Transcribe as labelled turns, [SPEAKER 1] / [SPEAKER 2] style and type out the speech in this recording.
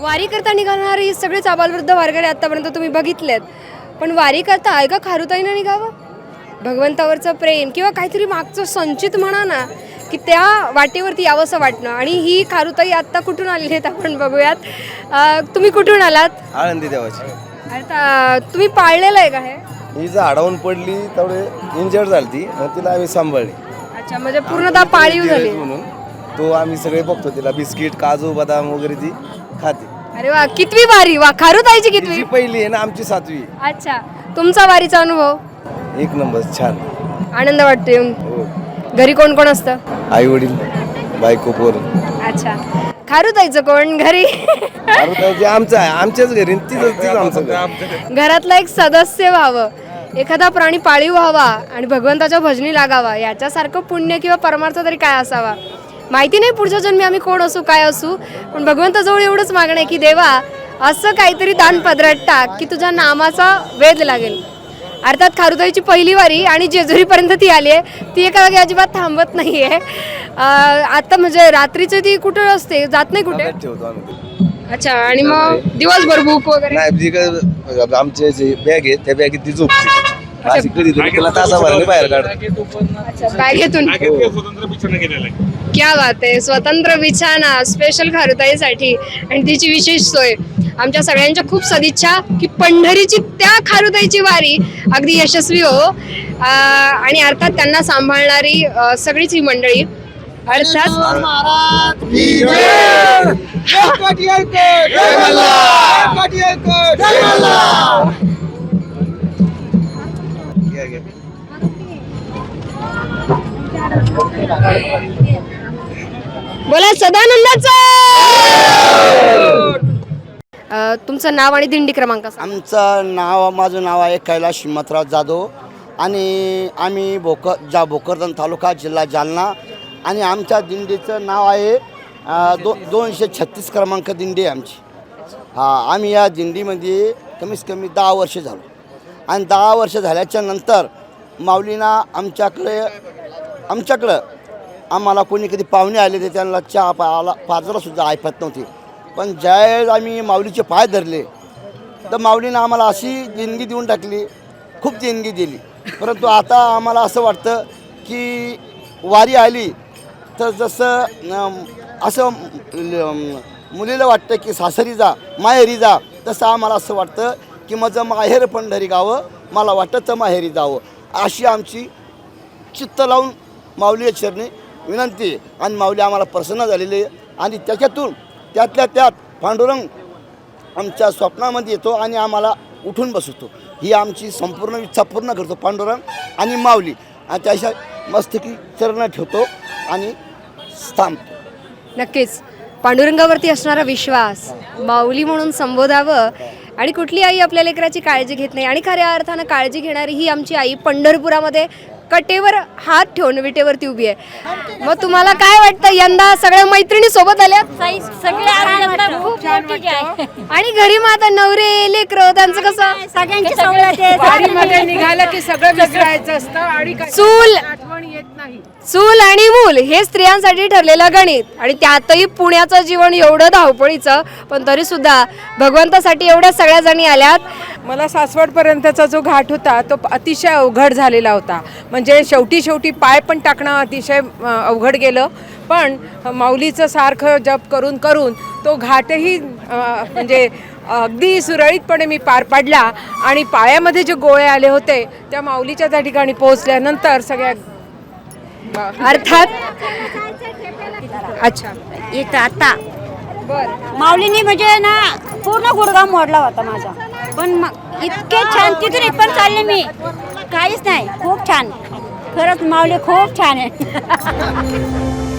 [SPEAKER 1] वारी करता निघाणारी सगळेच आबालवृद्ध वारकरी आतापर्यंत तुम्ही बघितलेत, पण वारी करता आहे का खारुताईनं निघावं? भगवंतावरचं प्रेम किंवा काहीतरी मागचं संचित म्हणा ना, की त्या वाटेवरती यावंसं वाटणं. आणि ही खारुताई आत्ता कुठून आलेली आहेत आपण बघूयात. तुम्ही कुठून आलात?
[SPEAKER 2] आळंदी देवाची.
[SPEAKER 1] आता तुम्ही पाळलेलं आहे का हे?
[SPEAKER 2] ही झाडावून पडली तेवढे इंजर्ड झाली ती, मग तिला आम्ही सांभाळली.
[SPEAKER 1] अच्छा, म्हणजे पूर्णतः पाळीव झाली.
[SPEAKER 2] म्हणून तो आम्ही सगळे बघतो, तिला बिस्किट काजू बदाम वगैरे ती खाते.
[SPEAKER 1] अरे वा, कितवी वारी? वा, खारुताईची कितवी?
[SPEAKER 2] तिची पहिली आहे ना, आमची 7वी.
[SPEAKER 1] अच्छा, तुमचा वारीचा अनुभव?
[SPEAKER 2] एक नंबर, छान.
[SPEAKER 1] आनंद वाटतो येऊन?
[SPEAKER 2] हो.
[SPEAKER 1] घरी कोण कोण असतं?
[SPEAKER 2] आई वडील, बायको, पोर.
[SPEAKER 1] अच्छा, खारुताईचं कोण घरी?
[SPEAKER 2] आमचं आहे, आमच्याच घरी. तीच आमचं घर.
[SPEAKER 1] घरातला एक सदस्य व्हावं, एखादा प्राणी पाळीव व्हावा आणि भगवंताच्या भजनी लागावा, याच्यासारखं पुण्य किंवा परमार्थ तरी काय असावा. माहिती नाही पुढच्या जन्मी आम्ही कोण असू काय असू, पण भगवंताजवळ एवढंच मागणं आहे की देवा असं काहीतरी दान पदरात टाक की तुझ्या नामाचा वेध लागेल. अर्थात खारुताईची पहिली वारी आणि जेजुरीपर्यंत ती आली आहे, ती एका जागी अजिबात थांबत नाही आहे. आता म्हणजे रात्रीचं ती कुठे असते, जात नाही कुठे?
[SPEAKER 2] ठेवतो आम्ही.
[SPEAKER 1] अच्छा, आणि मग दिवसभर बुक वगैरे?
[SPEAKER 2] नाही, आमचे जे बॅग आहे त्या बॅगेत ती झोपते. अशी कधी तिला तासाभराने बाहेर काढतो.
[SPEAKER 1] अच्छा, बॅगेतून? क्या बात आहे, स्वतंत्र बिछाना स्पेशल खारुताईसाठी आणि तिची विशेष सोय. आमच्या सगळ्यांच्या खूप सदिच्छा की पंढरीची त्या खारुताईची वारी अगदी यशस्वी हो. आणि अर्थात त्यांना सांभाळणारी सगळीच ही मंडळी. अर्थात बोला सदानंदाचं. तुमचं नाव आणि दिंडी क्रमांक?
[SPEAKER 3] आमचं नाव, माझं नाव आहे कैलास हिम्मतराव जाधव आणि आम्ही भोकरदन तालुका जिल्हा जालना. आणि आमच्या दिंडीचं नाव आहे 236 क्रमांक दिंडी आहे आमची. आम्ही या दिंडीमध्ये कमीत कमी 10 वर्ष झालो. आणि 10 वर्ष झाल्याच्या नंतर माऊलींना आमच्याकडं आम्हाला कोणी कधी पाहुणे आले तर त्यांना चहा पाजरासुद्धा ऐपत नव्हती. पण ज्यावेळेस आम्ही माऊलीचे पाय धरले तर माऊलीनं आम्हाला अशी देणगी देऊन टाकली, खूप देणगी दिली. परंतु आता आम्हाला असं वाटतं की वारी आली तर जसं असं मुलीला वाटतं की सासरी जा माहेरी जा, तसं आम्हाला असं वाटतं की माझं माहेर पंढरी गावं, मला वाटतं माहेरी जावं. अशी आमची चित्त लावून माऊली चरणी विनंती आहे. आणि माऊली आम्हाला प्रसन्न झालेली आहे. आणि त्यातल्या त्यात पांडुरंग आमच्या स्वप्नामध्ये येतो आणि आम्हाला उठून बसवतो. ही आमची संपूर्ण इच्छा पूर्ण करतो पांडुरंग आणि माऊली. आणि त्याच्या मस्तकी चरण ठेवतो आणि थांबतो.
[SPEAKER 1] नक्कीच पांडुरंगावरती असणारा विश्वास, माऊली म्हणून संबोधावं. आणि कुठली आई आपल्या लेकराची काळजी घेत नाही, आणि खऱ्या अर्थानं काळजी घेणारी ही आमची आई पंढरपुरामध्ये कटेवर हात ठेवून विटेवरती उभी आहे. मग तुम्हाला काय वाटतं, यंदा सगळ्या मैत्रिणी सोबत आल्या? आणि घरी मग आता नवरे लेकरं त्यांचं कसं?
[SPEAKER 4] वारीमध्ये निघालं की सगळं विसरायचं असतं आणि आठवण येत नाही.
[SPEAKER 1] चूल आणि मूल हे स्त्रियांसाठी ठरलेलं गणित. आणि त्यातही पुण्याचं जीवन एवढं धावपळीचं, पण तरी सुद्धा भगवंतासाठी एवढ्या सगळ्या जणी आल्यात.
[SPEAKER 4] मला सासवडपर्यंतचा जो घाट होता तो अतिशय अवघड झालेला होता. म्हणजे शेवटी पाय पण टाकणं अतिशय अवघड गेलं. पण माऊलीचं सारखं जप करून तो घाटही म्हणजे अगदी सुरळीतपणे मी पार पाडला. आणि पायामध्ये जे गोळे आले होते त्या माऊलीच्या त्या ठिकाणी पोहोचल्यानंतर सगळ्या
[SPEAKER 1] अर्थात अच्छा
[SPEAKER 5] इथं आता माऊलीने म्हणजे ना पूर्ण गुडघा मोडला होता माझा. पण इतके छान तिथून इथपर्यंत चालले मी, काहीच नाही. खूप छान, खरंच माऊली खूप छान आहे.